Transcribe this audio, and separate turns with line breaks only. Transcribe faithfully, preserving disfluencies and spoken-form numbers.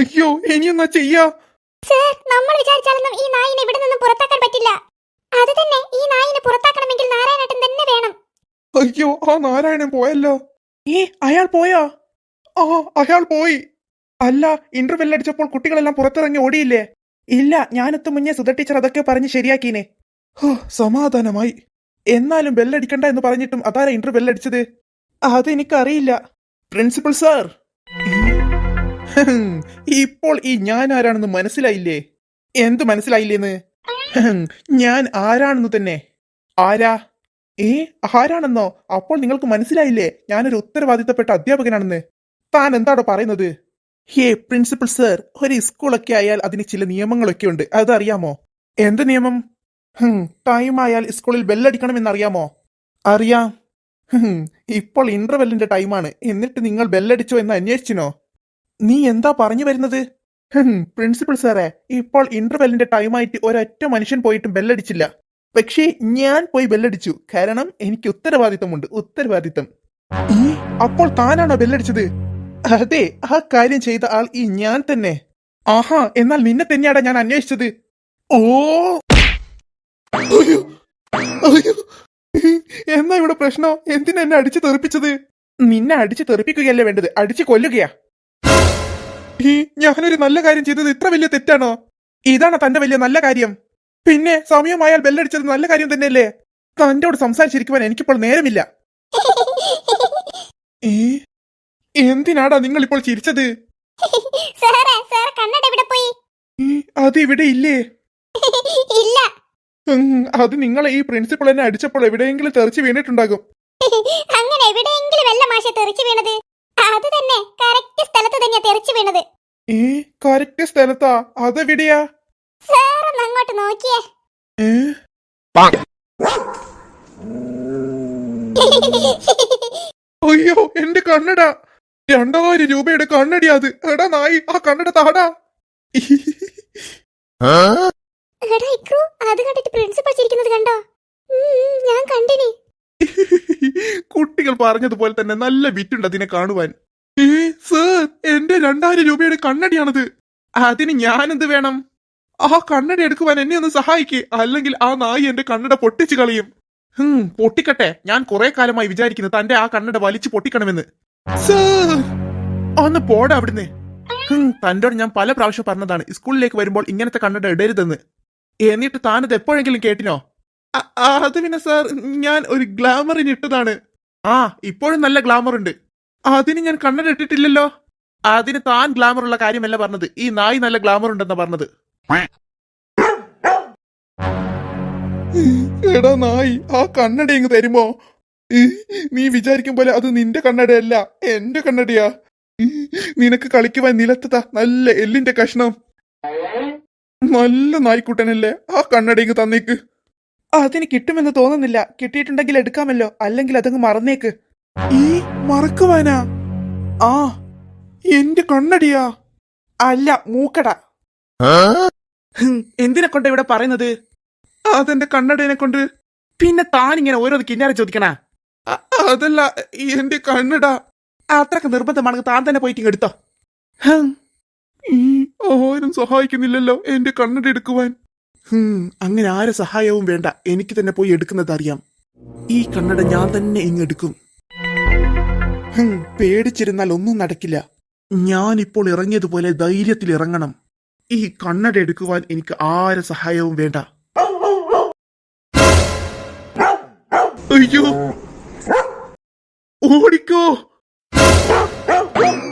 അയ്യോ ഇനി എന്നാ ചെയ്യാ?
സർ, നമ്മൾ വിചാരിച്ചാലൊന്നും ഈ നായിനെ ഇവിടെ നിന്നും പുറത്താക്കാൻ പറ്റില്ല. അത് തന്നെ, ഈ നായിനെ പുറത്താക്കണമെങ്കിൽ നാരായണേട്ടൻ തന്നെ വേണം.
അയ്യോ, ആ നാരായണൻ പോയല്ലോ. ഏ അയാൾ പോയോ? ആ അയാൾ പോയി. അല്ല, ഇന്റർവെൽ അടിച്ചപ്പോൾ കുട്ടികളെല്ലാം പുറത്തിറങ്ങി ഓടിയില്ലേ? ഇല്ല, ഞാനെത്തും മുന്നേ സുധ ടീച്ചർ അതൊക്കെ പറഞ്ഞ് ശരിയാക്കീനെ. ഹോ, സമാധാനമായി. എന്നാലും ബെല്ലടിക്കണ്ട എന്ന് പറഞ്ഞിട്ടും അതാരാ ഇന്റർവെൽ അടിച്ചത്? അതെനിക്കറിയില്ല. പ്രിൻസിപ്പൽ സാർ, ഇപ്പോൾ ഈ ഞാൻ ആരാണെന്ന് മനസ്സിലായില്ലേ? എന്ത് മനസ്സിലായില്ലേന്ന്? ഞാൻ ആരാണെന്ന് തന്നെ. ആരാ? ഏ ആരാണെന്നോ? അപ്പോൾ നിങ്ങൾക്ക് മനസ്സിലായില്ലേ ഞാനൊരു ഉത്തരവാദിത്തപ്പെട്ട അധ്യാപകനാണെന്ന്? താൻ എന്താണോ പറയുന്നത്? ഹേ പ്രിൻസിപ്പൽ സർ, ഒരു സ്കൂളൊക്കെ ആയാൽ അതിന് ചില നിയമങ്ങളൊക്കെ ഉണ്ട്, അതറിയാമോ? എന്ത് നിയമം? ടൈം ആയാൽ സ്കൂളിൽ ബെല്ലടിക്കണമെന്നറിയാമോ? അറിയാം. ഇപ്പോൾ ഇന്റർവെല്ലിന്റെ ടൈമാണ്, എന്നിട്ട് നിങ്ങൾ ബെല്ലടിച്ചോ എന്ന് അന്വേഷിച്ചിനോ? നീ എന്താ പറഞ്ഞു വരുന്നത്? പ്രിൻസിപ്പൽ സാറേ, ഇപ്പോൾ ഇന്റർവെല്ലിന്റെ ടൈമായിട്ട് ഒരൊറ്റ മനുഷ്യൻ പോയിട്ടും ബെല്ലടിച്ചില്ല. പക്ഷേ ഞാൻ പോയി ബെല്ലടിച്ചു, കാരണം എനിക്ക് ഉത്തരവാദിത്തമുണ്ട്. ഉത്തരവാദിത്തം. അപ്പോൾ താനാണോ ബെല്ലടിച്ചത്? അതെ, ആ കാര്യം ചെയ്ത ആൾ ഈ ഞാൻ തന്നെ. ആഹാ, എന്നാൽ നിന്നെ തന്നെയാടാ ഞാൻ അന്വേഷിച്ചത്. ഓ എന്നാ ഇവിടെ പ്രശ്നോ? എന്തിനാ എന്നെ അടിച്ചു തെറിപ്പിച്ചത്? നിന്നെ അടിച്ചു തെറിപ്പിക്കുകയല്ലേ വേണ്ടത്, അടിച്ചു കൊല്ലുകയാ. ഈ ഞാനൊരു നല്ല കാര്യം ചെയ്തത് ഇത്ര വലിയ തെറ്റാണോ? ഇതാണോ തന്റെ വലിയ നല്ല കാര്യം? പിന്നെ സമയമായാൽ ബെല്ലടിച്ചത് നല്ല കാര്യം തന്നെയല്ലേ? തന്റോട് സംസാരിച്ചിരിക്കുവാൻ എനിക്കിപ്പോൾ നേരമില്ല. ഏ എന്തിനാടാ നിങ്ങൾ ഇപ്പോൾ ചിരിച്ചത്? അത് ഇവിടെ ഇല്ലേ?
ഇല്ല.
അത് നിങ്ങളെ ഈ പ്രിൻസിപ്പൾ എന്നെ അടിച്ചപ്പോൾ എവിടെയെങ്കിലും തെറിച്ച് വീണിട്ടുണ്ടാകും.
അങ്ങനെ എവിടെയെങ്കിലും വല്ല മാഷെ തെറിച്ച് വീണത്? അത് തന്നെ, കറക്റ്റ് സ്ഥലത്ത് തന്നെയാ തെറിച്ച് വീണത്.
ഏ കറക്റ്റ് സ്ഥലത്താ? അതെവിടെയാ?
സാർ അങ്ങോട്ട് നോക്കിയേ.
ഏ അയ്യോ, എന്റെ കണ്ണട! രണ്ടായിരം രൂപയുടെ കണ്ണടി അത്. എടാ നായി, ആ കണ്ണട താടാ.
അത് കണ്ടിട്ട് പ്രിൻസിപ്പൽ ചിരിക്കുന്നത് കണ്ടോ? ഞാൻ കണ്ടിനി.
കുട്ടികൾ പറഞ്ഞതുപോലെ തന്നെ നല്ല വിറ്റുണ്ട് അതിനെ കാണുവാൻ. ഏ സർ, എന്റെ രണ്ടായിരം രൂപയുടെ കണ്ണടിയാണത്. അതിന് ഞാനെന്ത് വേണം? ആ കണ്ണട എടുക്കുവാൻ എന്നെ ഒന്ന് സഹായിക്കേ, അല്ലെങ്കിൽ ആ നായി എന്റെ കണ്ണട പൊട്ടിച്ചു കളയും. ഹും പൊട്ടിക്കട്ടെ. ഞാൻ കുറെ കാലമായി വിചാരിക്കുന്നു തന്റെ ആ കണ്ണട വലിച്ചു പൊട്ടിക്കണമെന്ന്. സർ, ഒന്ന് പോടാ അവിടുന്ന്. ഹും തന്റോട് ഞാൻ പല പ്രാവശ്യം പറഞ്ഞതാണ് സ്കൂളിലേക്ക് വരുമ്പോൾ ഇങ്ങനത്തെ കണ്ണട ഇടരുതെന്ന്. എന്നിട്ട് താനത് എപ്പോഴെങ്കിലും കേട്ടിനോ? അത് പിന്നെ സാർ, ഞാൻ ഒരു ഗ്ലാമറിന് ഇട്ടതാണ്. ആ ഇപ്പോഴും നല്ല ഗ്ലാമർ ഉണ്ട്. അതിന് ഞാൻ കണ്ണട ഇട്ടിട്ടില്ലല്ലോ. അതിന് താൻ ഗ്ലാമർ ഉള്ള കാര്യമല്ല പറഞ്ഞത്, ഈ നായി നല്ല ഗ്ലാമർ ഉണ്ടെന്നാ പറഞ്ഞത്. എടാ നായി, ആ കണ്ണട ഇങ്ങ് തരുമോ? നീ വിചാരിക്കും പോലെ അത് നിന്റെ കണ്ണടയല്ല, എന്റെ കണ്ണടയാ. നിനക്ക് കളിക്കുവാൻ നിലത്തതാ നല്ല എല്ലിന്റെ കഷ്ണം. നല്ല നായ്ക്കുട്ടനല്ലേ, ആ കണ്ണട ഇങ്ങ് തന്നേക്ക്. അതിന് കിട്ടുമെന്ന് തോന്നുന്നില്ല. കിട്ടിയിട്ടുണ്ടെങ്കിൽ എടുക്കാമല്ലോ, അല്ലെങ്കിൽ അതങ്ങ് മറന്നേക്ക്. ഈ മറക്കുവാനാ? ആ എന്റെ കണ്ണടിയാ. അല്ല, മൂക്കട. എന്തിനെ കൊണ്ട് ഇവിടെ പറയുന്നത്? അതെന്റെ കണ്ണടേനെ കൊണ്ട്. പിന്നെ താൻ ഇങ്ങനെ ഓരോ കിന്നാരെ ചോദിക്കണ? അതല്ല, എന്റെ കണ്ണട. അത്രക്ക് നിർബന്ധമാണെങ്കിൽ താൻ തന്നെ പോയിട്ട് എടുത്തോ. ആരും സഹായിക്കുന്നില്ലല്ലോ എന്റെ കണ്ണട എടുക്കുവാൻ. ഹും അങ്ങനെ ആരെ സഹായവും വേണ്ട, എനിക്ക് തന്നെ പോയി എടുക്കുന്നത് അറിയാം. ഈ കണ്ണട ഞാൻ തന്നെ ഇങ്ങെടുക്കും. ഹും പേടിച്ചിരുന്നാൽ ഒന്നും നടക്കില്ല. ഞാനിപ്പോൾ ഇറങ്ങിയതുപോലെ ധൈര്യത്തിൽ ഇറങ്ങണം. ഈ കണ്ണട എടുക്കുവാൻ എനിക്ക് ആരെ സഹായവും വേണ്ട. അയ്യോ, ഓടിക്കോ.